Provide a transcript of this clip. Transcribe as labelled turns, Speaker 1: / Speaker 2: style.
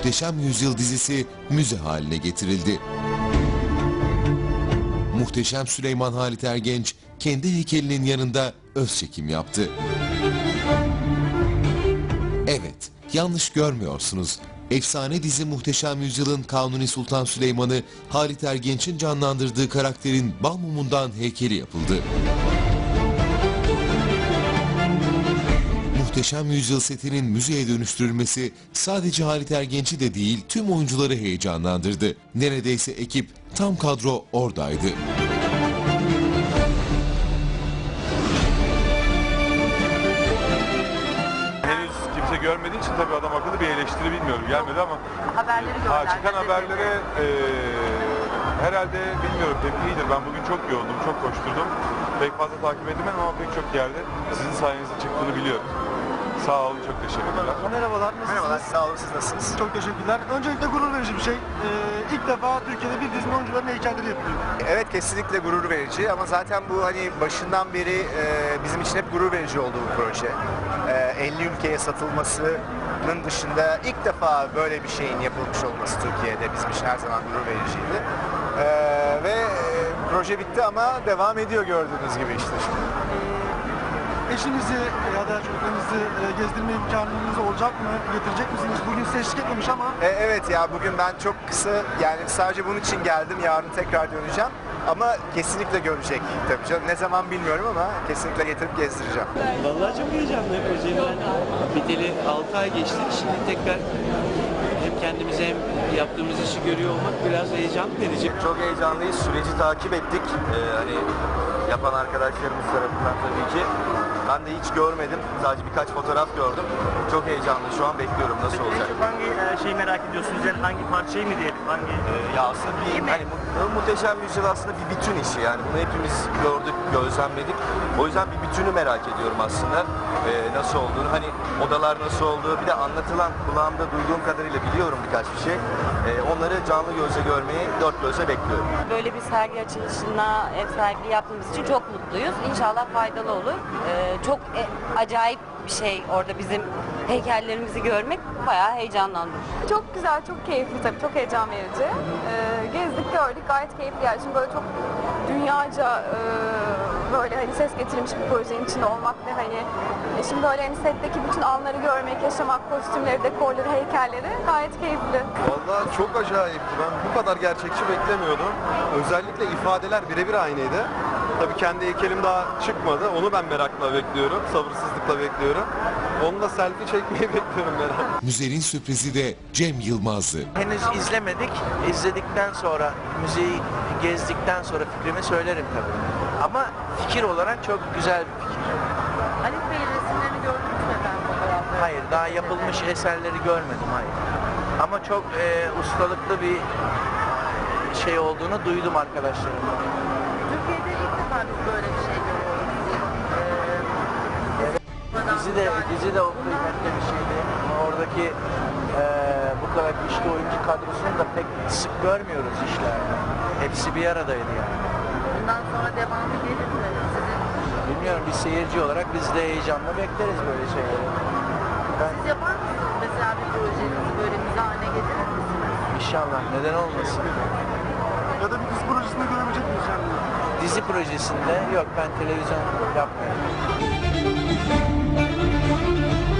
Speaker 1: Muhteşem Yüzyıl dizisi müze haline getirildi. Muhteşem Süleyman Halit Ergenç kendi heykelinin yanında öz çekim yaptı. Evet, yanlış görmüyorsunuz. Efsane dizi Muhteşem Yüzyıl'ın Kanuni Sultan Süleyman'ı Halit Ergenç'in canlandırdığı karakterin bal mumundan heykeli yapıldı. Muhteşem Yüzyıl setinin müzeye dönüştürülmesi sadece Halit Ergenç'i de değil tüm oyuncuları heyecanlandırdı. Neredeyse ekip tam kadro oradaydı.
Speaker 2: Henüz kimse görmediği için tabii adam akıllı bir eleştiri bilmiyorum gelmedi ama
Speaker 3: haberleri gördüm.
Speaker 2: çıkan haberlere herhalde bilmiyorum tepki iyidir. Ben bugün çok yoğundum, çok koşturdum. Pek fazla takip edemedim ama pek çok yerde sizin sayenizde çıktığını biliyorum. Sağ olun, çok teşekkürler.
Speaker 4: Merhabalar, nasılsınız?
Speaker 5: Merhabalar, sağ olun, siz nasılsınız?
Speaker 4: Çok teşekkürler. Öncelikle gurur verici bir şey. İlk defa Türkiye'de bir dizinin oyuncuların heykelleri yapılıyor.
Speaker 5: Evet, kesinlikle gurur verici ama zaten bu hani başından beri bizim için hep gurur verici olduğu bir proje. 50 ülkeye satılmasının dışında ilk defa böyle bir şeyin yapılmış olması Türkiye'de bizim için her zaman gurur vericiydi. Proje bitti ama devam ediyor gördüğünüz gibi işte şimdi.
Speaker 4: Eşinizi ya da çocuklarınızı gezdirme imkanınız olacak mı? Getirecek misiniz? Bugün size eşlik etmemiş ama.
Speaker 5: Evet ya, bugün ben çok kısa, yani sadece bunun için geldim. Yarın tekrar döneceğim. Ama kesinlikle görecek tabii canım. Ne zaman bilmiyorum ama kesinlikle getirip gezdireceğim.
Speaker 6: Vallahi çok heyecanlı. Projemden biteli 6 ay geçti. Şimdi tekrar hem kendimizi hem yaptığımız işi görüyor olmak biraz heyecan verici.
Speaker 7: Çok heyecanlıyız. Süreci takip ettik. Hani yapan arkadaşlarımız tarafından tabii ki. Ben de hiç görmedim. Sadece birkaç fotoğraf gördüm. Çok heyecanlı. Şu an bekliyorum nasıl olacak.
Speaker 6: Hangi şeyi merak ediyorsunuz? Yani hangi parçayı mı diyelim? Hangi
Speaker 7: Ya aslında hani Muhteşem Yüzyıl aslında bir bütün işi. Yani bunu hepimiz gördük, gözlemledik. O yüzden bir bütünü merak ediyorum aslında. Nasıl olduğunu. Hani odalar nasıl olduğu. Bir de anlatılan, kulağımda duyduğum kadarıyla biliyorum birkaç bir şey. Onları canlı gözle görmeyi dört gözle bekliyorum.
Speaker 3: Böyle bir sergi açılışına ev sahipliği yaptığımız için çok mutluyuz. İnşallah faydalı olur. Çok acayip bir şey orada bizim heykellerimizi görmek, bayağı heyecanlandım.
Speaker 8: Çok güzel, çok keyifli tabii, çok heyecan verici. Gezdik, gördük, gayet keyifli. Yani şimdi böyle çok dünyaca böyle hani ses getirmiş bir projenin içinde olmak ve hani şimdi böyle hani setteki bütün anları görmek, yaşamak, kostümleri, dekorları, heykelleri gayet keyifli.
Speaker 9: Vallahi çok acayipti. Ben bu kadar gerçekçi beklemiyordum. Özellikle ifadeler birebir aynıydı. Tabii kendi heykelim daha çıkmadı. Onu ben merakla bekliyorum, sabırsızlıkla bekliyorum. Onunla selfie çekmeyi bekliyorum merakla.
Speaker 1: Müzenin sürprizi de Cem Yılmaz'dı.
Speaker 6: Henüz izlemedik. İzledikten sonra, müzeyi gezdikten sonra fikrimi söylerim tabii. Ama fikir olarak çok güzel bir fikir.
Speaker 3: Halit Bey'in resimlerini gördünüz mü efendim fotoğrafları?
Speaker 6: Hayır, daha yapılmış eserleri görmedim, hayır. Ama çok ustalıklı bir şey olduğunu duydum arkadaşlarımdan.
Speaker 3: Türkiye'de ilk defa biz böyle bir şey görüyoruz.
Speaker 6: Dizi de o kıymetli bir şeydi. Oradaki bu kadar güçlü oyuncu kadrosunu da pek sık görmüyoruz işlerde. Hepsi bir aradaydı yani.
Speaker 3: Bundan sonra devamı gelir mi sizin?
Speaker 6: Bilmiyorum, bir seyirci olarak biz de heyecanla bekleriz böyle şeyleri.
Speaker 3: Siz yapar mısınız mesela bir projenizi böyle müze haline getirir misiniz?
Speaker 6: İnşallah, neden olmasın.
Speaker 4: Ya da bir dizi projesinde görebilecek miyiz yani?
Speaker 6: Dizi projesinde yok, ben televizyon yapmıyorum.